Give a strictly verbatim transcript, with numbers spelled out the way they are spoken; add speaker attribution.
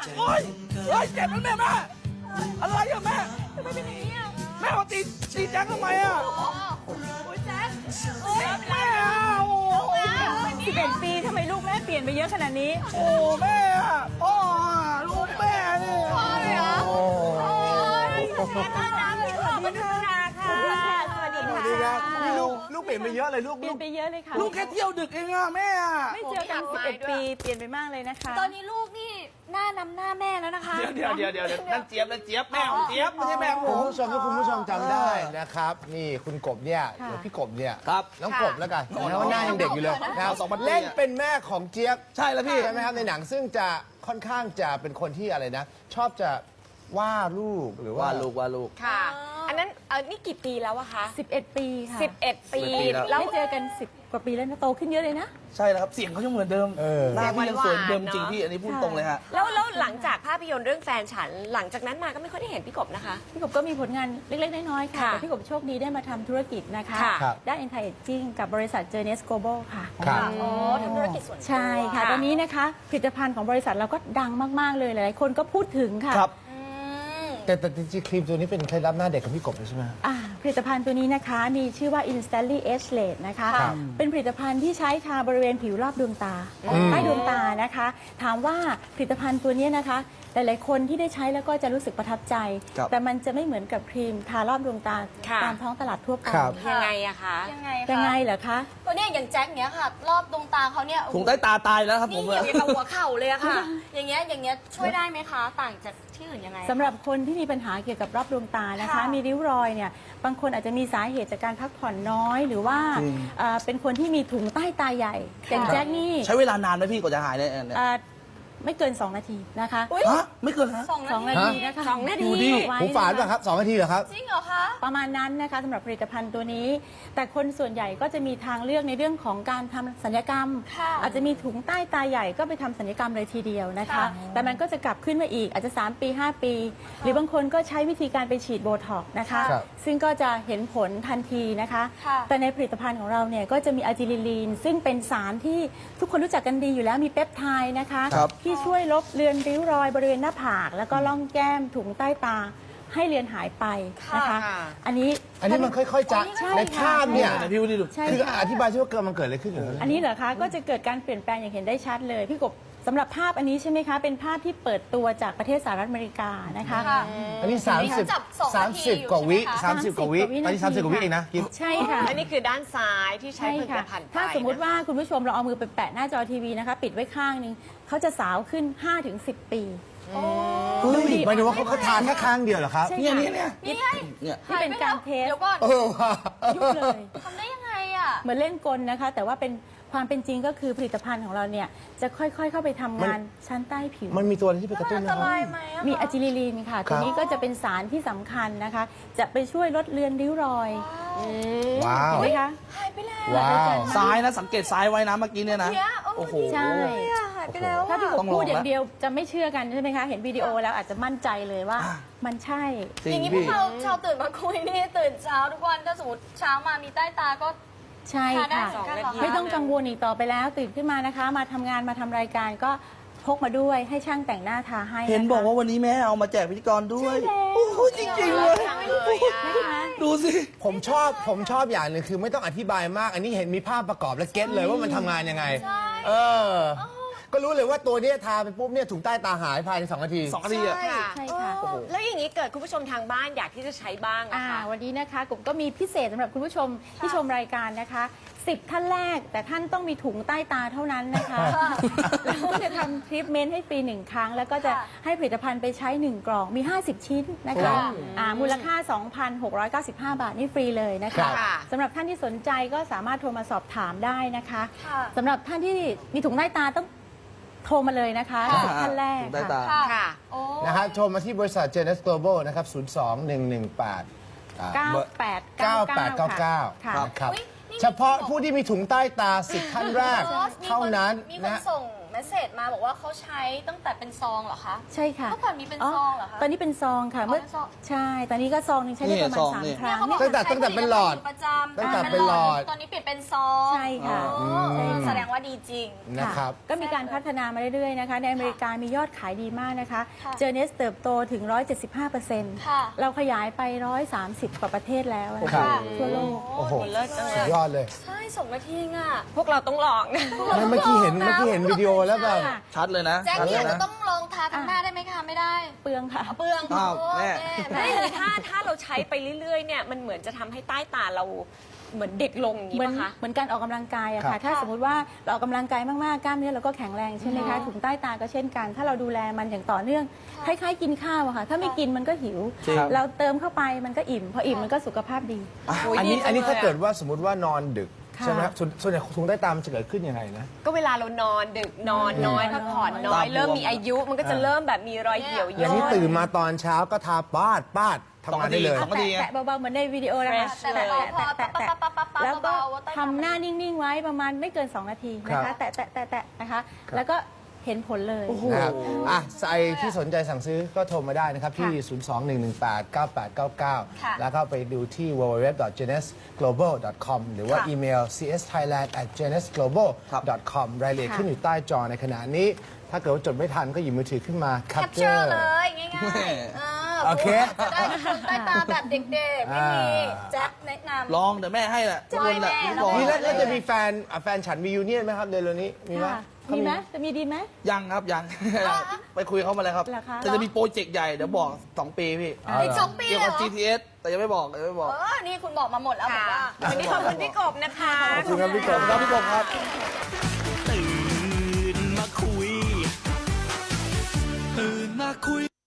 Speaker 1: โอ๊ยเฮ้ยเจ็บนะแม่แม่อะไรอะแม่
Speaker 2: ทำไมเป็นอย่างนี้อ่ะ
Speaker 1: แม่มาตีตีแจ็คทำไมอะ
Speaker 2: โอ้ยแจ๊คโอ้ย
Speaker 1: แม่อะโอ้
Speaker 3: สิบเอ็ดปีทำไมลูกแม่เปลี่ยนไปเยอะขนาดนี้
Speaker 1: โอ้แม่อะพ่ออะลูกแม่นี่
Speaker 2: พ่อเลยเหรอ
Speaker 1: โอ้
Speaker 2: โอ้ยแม่น่ารักเลยขอบคุณค่ะค่ะสวัสดี
Speaker 4: สวัสดีครับนี่ลูกลูกเปลี่ยนไปเยอะเลยลูก
Speaker 3: เปลี่ยนไปเยอะเลยค่ะ
Speaker 1: ลูกแค่เที่ยวดึกเองอะแม่อะ
Speaker 3: ไม่เจอกันสิบเอ็ดปีเปลี่ยนไปมากเลยนะคะ
Speaker 2: ตอนนี้ลูกนี่หน้านำหน้าแม่แล้วนะคะ
Speaker 1: เดี๋ยวเดี๋ยวเดี๋ยวเดี๋ยวนั่นเจี๊ยบนั่นเจี๊ยบแม่ของเจี๊ยบไม่ใช่แม่ของผ
Speaker 4: คุณ
Speaker 1: ม
Speaker 4: ผู้ชมถ้าคุณผู้ชมจำได้นะครับ นี่คุณกบเนี่ยหรือพี่กบเนี่ย
Speaker 1: ครับ
Speaker 4: น้องกบแล้วกันนะว่าหน้ายังเด็กอยู่เลย
Speaker 1: น้องสองพันปี
Speaker 4: เล่นเป็นแม่ของเจี๊ยบ
Speaker 1: ใช่แล้วพี่
Speaker 4: ใช่ไหมครับในหนังซึ่งจะค่อนข้างจะเป็นคนที่อะไรนะ ชอบจะว่าลูกหรือว่า
Speaker 1: ว่าลูกว่าลูก
Speaker 5: ค่ะ อันนั้นเออนี่กี่ปีแล้วอะคะ
Speaker 3: สิบเอ็ดปีค่ะ
Speaker 5: สิบเอ็ดปี
Speaker 1: สิบเอ็ดปีแล้ว
Speaker 5: แล้ว
Speaker 3: ไม่เจอกันสิบกว่าปีแล้วนะโตขึ้นเยอะเลยนะ
Speaker 1: ใช่แล้วครับเสียงเขายังเหมือนเดิม
Speaker 4: เออ
Speaker 1: หน้าพี่ยังสวยเดิม
Speaker 5: หวานๆ
Speaker 1: จริงพี่อันนี้พูดตรงเลยฮะ
Speaker 5: แล้วแล้วหลังจากภาพยนตร์เรื่องแฟนฉัน หลังจากนั้นมาก็ไม่ค่อยได้เห็นพี่กบนะคะ
Speaker 3: พี่กบก็มีผลงานเล็กๆ น้อยๆ ค่ะ
Speaker 5: ค่ะ
Speaker 3: แต่พี่กบโชคดีได้มาทำธุรกิจนะคะ
Speaker 5: ค่ะ
Speaker 4: ครับ
Speaker 3: ด้าน anti aging กับบริษัท Journeys Global ค่ะ
Speaker 4: ครับ
Speaker 2: อ๋อทำธุรกิจส่วนตัว
Speaker 3: ใช่ค่ะ ตอนนี้นะคะผลิตภัณฑ์ของบริษัทเราก็ดังมากๆ เลยหลายๆ คนก็พูดถึงค่ะ
Speaker 1: ครับ
Speaker 2: อืม
Speaker 4: แต่แต่จริงๆครีมตัวนี้เป็นเคล็ดลับหน้าเด็กของพี่กบเลยใช่ไหม
Speaker 3: อ่าผลิตภัณฑ์ตัวนี้นะคะมีชื่อว่า Instantly Age Late นะคะ
Speaker 4: ครับ
Speaker 3: เป็นผลิตภัณฑ์ที่ใช้ทาบริเวณผิวรอบดวงตาใต้ดวงตานะคะ ถามว่าผลิตภัณฑ์ตัวนี้นะคะ หลายๆคนที่ได้ใช้แล้วก็จะรู้สึกประทับใจ
Speaker 1: ครับ
Speaker 3: แต่มันจะไม่เหมือนกับครีมทารอบดวงตา
Speaker 5: ค่ะ
Speaker 3: ตามท้องตลาดทั่วไป
Speaker 4: ครับ
Speaker 5: ยังไงอะคะ
Speaker 2: ยังไง
Speaker 3: ยัง
Speaker 2: คะ
Speaker 3: ไงเหรอคะ
Speaker 2: ตัวเนี้ยอย่างแจ็คเนี้ยค่ะ รอบดวงตาเขาเนี่ยโอ้โห
Speaker 1: ถุงใต้ตาตายแล้วครับผ
Speaker 2: นี่
Speaker 1: ม
Speaker 2: เหยียบอย่างกับหัวเข่าเลยอะค่ะ อย่างเงี้ยอย่างเงี้ยช่วยได้ไหมคะ ต่างจากที่อื่นยังไง
Speaker 3: สำหรับคนที่มีปัญหาเกี่ยวกับรอบดวงตานะคะ
Speaker 2: ค่ะ
Speaker 3: มีริ้วรอยเนี่ยบางคนอาจจะมีสาเหตุจากการพักผ่อนน้อย หรือว่า
Speaker 1: จริง
Speaker 3: เอ่อเป็นคนที่มีถุงใต้ตาใหญ่อย่างแจ็คนี่
Speaker 1: ใช้เวลานานไหมพี่กว่าจะหายเนี่ยเนี่ย
Speaker 3: เอ่อไม่เกิน สอง นาทีนะคะ
Speaker 2: อุ๊ย
Speaker 1: ฮะไม่เกินฮะ
Speaker 2: สอง
Speaker 3: สอง
Speaker 2: นา
Speaker 3: นา
Speaker 2: ที
Speaker 3: ทีนะคะ
Speaker 5: สองนาที
Speaker 1: ดูดิ
Speaker 3: ไว้
Speaker 4: หูฝาด
Speaker 3: นะ
Speaker 4: ป่ะ
Speaker 3: คะ
Speaker 4: ครับสองนาทีเหรอครับ
Speaker 2: จริงเหรอคะ
Speaker 3: ประมาณนั้นนะคะสำหรับผลิตภัณฑ์ตัวนี้ แต่คนส่วนใหญ่ก็จะมีทางเลือกในเรื่องของการทำศัลยกรรม
Speaker 2: ค่ะ
Speaker 3: อาจจะมีถุงใต้ตาใหญ่ก็ไปทำศัลยกรรมเลยทีเดียวนะคะ
Speaker 2: ค่ะ
Speaker 3: แต่มันก็จะกลับขึ้นมาอีกอาจจะ สาม ปี ห้า ปี หรือบางคนก็ใช้วิธีการไปฉีดโบท็อกซ์นะคะ
Speaker 4: ครับ
Speaker 3: ซึ่งก็จะเห็นผลทันทีนะคะ
Speaker 2: ค่ะ
Speaker 3: แต่ในผลิตภัณฑ์ของเราเนี่ยก็จะมีอะจิลิลีน ซึ่งเป็นสารที่ทุกคนรู้จักกันดีอยู่แล้วมีเปปไทด์นะคะ
Speaker 1: ครับ
Speaker 3: ที่ช่วยลบเลือนริ้วรอยบริเวณหน้าผาก แล้วก็ล่องแก้มถุงใต้ตาให้เลือนหายไปนะคะ
Speaker 5: ค่ะ
Speaker 3: อันนี้
Speaker 4: อันนี้มันค่อยๆจะ
Speaker 3: ใช่
Speaker 4: ใน
Speaker 3: ค่ะ
Speaker 4: ภาพเนี่ย
Speaker 1: ไหนพี่ดูดิ
Speaker 3: ใช่
Speaker 4: คือ
Speaker 3: ค่ะ
Speaker 4: อธิบายใช่ว่าเกิดมันเกิดอะไรขึ้นอยู่แล้ว
Speaker 3: อันนี้เหรอคะก็จะเกิดการเปลี่ยนแปลงอย่างเห็นได้ชัดเลย พี่กบสำหรับภาพอันนี้ใช่ไหมคะ เป็นภาพที่เปิดตัวจากประเทศสหรัฐอเมริกานะคะ
Speaker 2: ค่ะ
Speaker 4: อันนี้สามสิบ
Speaker 2: จับสอง
Speaker 4: สาม
Speaker 2: นาที
Speaker 4: สิบ
Speaker 2: อยู่
Speaker 4: กว่าวิ
Speaker 2: ใช่ไหมคะ
Speaker 4: สามสิบกว่าวิ
Speaker 3: สามสิบกว่าวิ
Speaker 4: ตอนนี้
Speaker 3: นาที
Speaker 4: สามสิบกว่าวิเองนะกิน
Speaker 3: ใช่ค่ะ
Speaker 5: และนี่คือด้านซ้ายที่ใช้
Speaker 3: ใช่
Speaker 5: ผลิต
Speaker 3: ค่ะ
Speaker 5: ภัณฑ์ไป
Speaker 3: ถ้าสมมุติว่าคุณผู้ชมเราเอามือไปแปะหน้าจอทีวีนะคะ ปิดไว้ข้างหนึงเขาจะสาวขึ้น ห้าถึงสิบ ปี
Speaker 4: เฮ้ยหมายถึงว่าเขาเขาทานแค่ครั้งเดียวเหรอครับ
Speaker 3: ใช่
Speaker 1: เนี่ย
Speaker 3: ค่ะ
Speaker 1: เนี่ยเนี่ย
Speaker 2: นี่ไง
Speaker 1: เนี่ย
Speaker 3: ที่เป็นการเทส
Speaker 2: เดี๋ยวก่อน
Speaker 4: เออว่ะ
Speaker 3: ยุบเลย
Speaker 2: ทำได้ยังไงอ่ะ
Speaker 3: เหมือนเล่นกลนะคะ แต่ว่าเป็นความเป็นจริงก็คือผลิตภัณฑ์ของเราเนี่ยจะค่อยๆเข้าไปทำงานชั้นใต้ผิว
Speaker 4: มันมีตัวอะไรที่ไปกระตุ้น
Speaker 2: อัน
Speaker 4: นะ
Speaker 2: ต
Speaker 4: ครับ
Speaker 2: รายไหมอะคะ
Speaker 3: มีอะจิลิลีนค่ะ ตัวนี้ก็จะเป็นสารที่สำคัญนะคะ จะไปช่วยลดเลือนริ้วรอย
Speaker 4: ว้าว
Speaker 3: เห็นไหมคะ
Speaker 2: หายไปแล้ว
Speaker 4: ว้าว
Speaker 1: ซ้ายนะสังเกตซ้ายไว้นะเมื่อกี้เนี่ยนะ
Speaker 2: เนี่ยโอ้
Speaker 1: โอ้โห
Speaker 3: ใช่
Speaker 2: เนี่ยหายไปแล้ว
Speaker 3: ถ้า
Speaker 2: อะ
Speaker 3: พี่ก
Speaker 1: ต้
Speaker 3: บ
Speaker 1: องลอง
Speaker 3: พูดอย่าง
Speaker 1: ละ
Speaker 3: เดียวจะไม่เชื่อกันใช่ไหมคะ เห็นวิดีโอแล้วอาจจะมั่นใจเลยว่า
Speaker 1: อ่ะ
Speaker 3: มันใช่
Speaker 1: จริ
Speaker 2: อย่าง งนี้พว
Speaker 1: พี่
Speaker 2: กเราชาวตื่นมาคุยนี่ตื่นเช้าทุกวันถ้าสมมติเช้ามามีใต้ตาก็
Speaker 3: ใช่
Speaker 2: ทาได้
Speaker 3: ค่ะ
Speaker 2: เหมือนกันเหรอคะ
Speaker 3: ไม่ต้องกังวลอีกต่อไปแล้ว ตื่นขึ้นมานะคะ มาทำงานมาทำรายการก็พกมาด้วยให้ช่างแต่งหน้าทาให้ะคะ
Speaker 1: เห็นบอกว่าวันนี้แม่เอามาแจกพิธีกรด้วย
Speaker 3: ใช่แล้ว
Speaker 1: โอ้โหจริงๆเลย
Speaker 3: นะคะ
Speaker 1: ดูสิ
Speaker 4: ผมชอบผมชอบอย่างหนึ่งคือไม่ต้องอธิบายมาก อันนี้เห็นมีภาพประกอบและเก็ตเลยว่ามันทำงานยังไง เออ ก็รู้เลยว่าตัวเนี้ยทาไปปุ๊บเนี่ยถุงใต้ตาหายภายในสองนาที
Speaker 1: สองนาทีอะ
Speaker 5: ค่ะ
Speaker 3: ใช่ค่ะ
Speaker 5: โอ้โหแล้วอย่างนี้เกิดคุณผู้ชมทางบ้านอยากที่จะใช้บ้างอะ
Speaker 3: อ่า
Speaker 5: คะ
Speaker 3: วันนี้นะคะกบก็มีพิเศษสำหรับคุณผู้ชมที่ชมรายการนะคะสิบท่านแรก แต่ท่านต้องมีถุงใต้ตาเท่านั้นนะคะแล้วก็จะทำทรีทเมนต์ให้ฟรีหนึ่งครั้ง แล้วก็จะให้ผลิตภัณฑ์ไปใช้หนึ่งกล่องมี ห้าสิบ ชิ้นนะคะอ่ามูลค่า สองพันหกร้อยเก้าสิบห้า บาทนี่ฟรีเลยนะ
Speaker 4: ครั
Speaker 3: คะ
Speaker 4: บ
Speaker 3: สำหรับท่านที่สนใจก็สามารถโทรมาสอบถามได้นะคะ
Speaker 2: ค่ะ
Speaker 3: สำหรับท่านที่มีถุงใต้ตาต้องโทรมาเลยนะคะสิบท่านแรก
Speaker 1: ถุงใต้ตา
Speaker 3: ค่ะ
Speaker 5: ค่ะ
Speaker 2: โอ้
Speaker 4: นะฮะโทรมาที่บริษัท Journeys Global นะครับ ศูนย์ สอง หนึ่ง หนึ่ง แปด
Speaker 3: เก้าแปดเก้า
Speaker 4: เก้าแปดเก้าเก้า
Speaker 3: ค่ะ
Speaker 4: นะครับ
Speaker 2: อุ๊ยนี่
Speaker 4: เฉพาะผู้ที่มีถุงใต้ตาสิบท่านแรก
Speaker 2: บอสมีค
Speaker 4: เท่านั้น
Speaker 2: มีคน
Speaker 4: นะ
Speaker 2: ส่งเมมสเซจมาบอกว่าเขาใช้ตั้งแต่เป็นซองเหรอคะ
Speaker 3: ใช่ค่ะ
Speaker 2: เมื่อก่อนมีเป็นซองเหรอคะ
Speaker 3: ตอนนี้เป็นซองค่ะ
Speaker 2: อ๋อ
Speaker 3: เมื่อ
Speaker 2: เป็นซอง
Speaker 3: ใช่ ตอนนี้ก็ซองหนึงใช้ได้ประมาณ
Speaker 6: นี่ซอง
Speaker 3: สาม
Speaker 6: นี่
Speaker 3: ครั้ง
Speaker 2: เขาบอก
Speaker 4: ตั้งแต่ตั้งแต่เป็นหลอด
Speaker 2: ใช้ผลิตภัณฑ์ประจำ
Speaker 4: ตั้งแต่เป็นหลอด
Speaker 2: ตอนนี้เปลี่ยนเป็นซอง
Speaker 3: ใช่ค่ะ
Speaker 2: อ๋อ
Speaker 3: ใช่ค่ะ
Speaker 2: แสดงว่าดีจริง
Speaker 4: นะครับ
Speaker 3: ก็มีการพัฒนามาเรื่อยๆนะคะ ในอเมริกามียอดขายดีมากนะคะ
Speaker 2: ค่ะ
Speaker 3: เจอเนสเติบโตถึง หนึ่งร้อยเจ็ดสิบห้าเปอร์เซ็นต์
Speaker 2: ค่ะ
Speaker 3: เราขยายไป หนึ่งร้อยสามสิบ กว่าประเทศแล้วนะ
Speaker 4: ครั
Speaker 3: คะ
Speaker 4: บ
Speaker 3: ทั่วโลก
Speaker 4: โอ้โห
Speaker 5: เลิศจังเล
Speaker 4: สุด
Speaker 5: ย
Speaker 4: ยอดเลย
Speaker 2: ใช่สองนาทีอ่ะ
Speaker 5: พวกเราต้องลองนะ
Speaker 4: ไม่เมื่อกี้เห็นเมื่อกี้เห็นวิดีโอแล้วแบบ
Speaker 6: ชัดเลยนะ
Speaker 2: แจ็ค
Speaker 6: ชัดเล
Speaker 2: กี้
Speaker 6: ย
Speaker 2: จะ
Speaker 6: นะ
Speaker 2: ต้องลองทาทั้งหน้าได้ไหมคะไม่ได้
Speaker 3: เปลืองค่ะ
Speaker 2: เปลือง
Speaker 6: อ้าว
Speaker 2: โอ้
Speaker 6: แม่
Speaker 2: แม่
Speaker 5: ไม่เลยถ้าถ้าเราใช้ไปเรื่อยๆเนี่ยมันเหมือนจะทำให้ใต้ตาเราเหมือนเด็กลงอย่างนี้
Speaker 3: เหมือน
Speaker 5: ป่ะคะ
Speaker 3: เหมือนการออกกำลังกายอะ
Speaker 4: ครั
Speaker 3: ค่ะ
Speaker 4: บ
Speaker 3: ถ้าสมมติว่าเราออกกำลังกายมากๆ กล้ามเนื้อเราก็แข็งแรงใช่ไหมคะ ถุงใต้ตาก็เช่นกัน ถ้าเราดูแลมันอย่างต่อเนื่อง คล้ายๆ กินข้าวอะค่ะ ถ้าไม่กินมันก็หิว
Speaker 6: จริง
Speaker 3: เราเติมเข้าไปมันก็อิ่ม พออิ่มมันก็สุขภาพดี
Speaker 4: อันนี้อันนี้ถ้าเกิดว่าสมมติว่านอนดึก
Speaker 3: ค่ะ
Speaker 4: ใช่ไหมครับส่วนส่วนใหญ่ถุงใต้ตามันจะเกิดขึ้นยังไงนะ
Speaker 5: ก็เวลาเรานอนดึกนอนน้อยพักผ่อนน้อย
Speaker 6: ตาบวม
Speaker 5: เริ่มมีอายุมันก็จะเริ่มแบบมีรอยเหี่ยว
Speaker 4: อย่าง
Speaker 5: ย่
Speaker 4: นี้
Speaker 5: น
Speaker 4: ตื่นมาตอนเช้าก็ทาปาดปาดทำงานได้เลย
Speaker 6: สองนาที
Speaker 3: แตะๆเบาๆเหมือนในวิดีโอนะคะ
Speaker 5: Fresh
Speaker 2: แต่พอพอ
Speaker 3: แตะ
Speaker 2: ปั๊บ
Speaker 3: แตะ
Speaker 2: ปั๊บปั๊บปั๊บปั๊บ
Speaker 3: แล้วก็
Speaker 2: เบาๆว่าใต้ตา
Speaker 3: ทำหน้านิ่ง ๆ ไว้ประมาณไม่เกิน สอง นาทีนะ
Speaker 4: ครั
Speaker 3: คะ
Speaker 4: บ
Speaker 3: แตะแตะแตะแตะนะคะ แล้วก็เห็นผลเลย
Speaker 4: นะครับอ่ะใครที่สนใจสั่งซื้อก็โทรมาได้นะครับ ที่ ศูนย์ สอง หนึ่ง หนึ่ง แปด เก้า แปด เก้า เก้า
Speaker 2: ค่ะ
Speaker 4: แล้วก็ไปดูที่ ดับเบิลยู ดับเบิลยู ดับเบิลยู ดอท เจเนส โกลบอล ดอท คอม หรือว่า
Speaker 2: ค่ะ
Speaker 4: อีเมล ซี เอส ไทยแลนด์ แอท เจเนส โกลบอล ดอท คอม รายละเอียด
Speaker 3: ค่ะ
Speaker 4: ขึ้นอยู่ใต้จอในขณะนี้ ถ้าเกิดว่าจดไม่ทันก็หยิบมือถือขึ้นมา
Speaker 2: แคปเจอ
Speaker 4: capture
Speaker 2: ร์เลยง่ายๆเออ
Speaker 4: โอเค
Speaker 2: จะได้คนใต้ตาแบบเด็กๆ ไม่มี
Speaker 4: อ่า
Speaker 2: แจ็คแนะนำ
Speaker 6: ลองเดี๋ยวแม่ให้แหละทุกคนแหละ
Speaker 2: แม่
Speaker 6: ทุกคน
Speaker 4: นี่แล้วแล้วจะมีแฟนอ่ะแฟนฉันมียูเนียนไหมครับเดือนนี้มีไหม
Speaker 3: ค่ะมีไหมจะมีดีไหม
Speaker 6: ยังครับยัง ไปคุยเขามาแล้วครับ
Speaker 3: เหรอคะ
Speaker 6: แต่จะมีโปรเจกต์ใหญ่เดี๋ยวบอกสองปีพี่
Speaker 4: อ๋อ
Speaker 2: อีกสองปี
Speaker 6: เกี่ยว
Speaker 2: เลย
Speaker 6: กับ
Speaker 2: เหรอ
Speaker 6: จี ที เอส แต่ยังไม่บอกยังไม่บอก
Speaker 2: เออ นี่คุณบอกมาหมดแล้วบอก
Speaker 5: ค่ะ
Speaker 2: ว่า
Speaker 5: วันนี้ขอบคุณพี่กบนะคะ
Speaker 4: ขอบคุณครับพี่ก
Speaker 6: ขอบบ คุณครับพี่กบครับ
Speaker 7: ตื่นมาคุย ตื่นมาคุย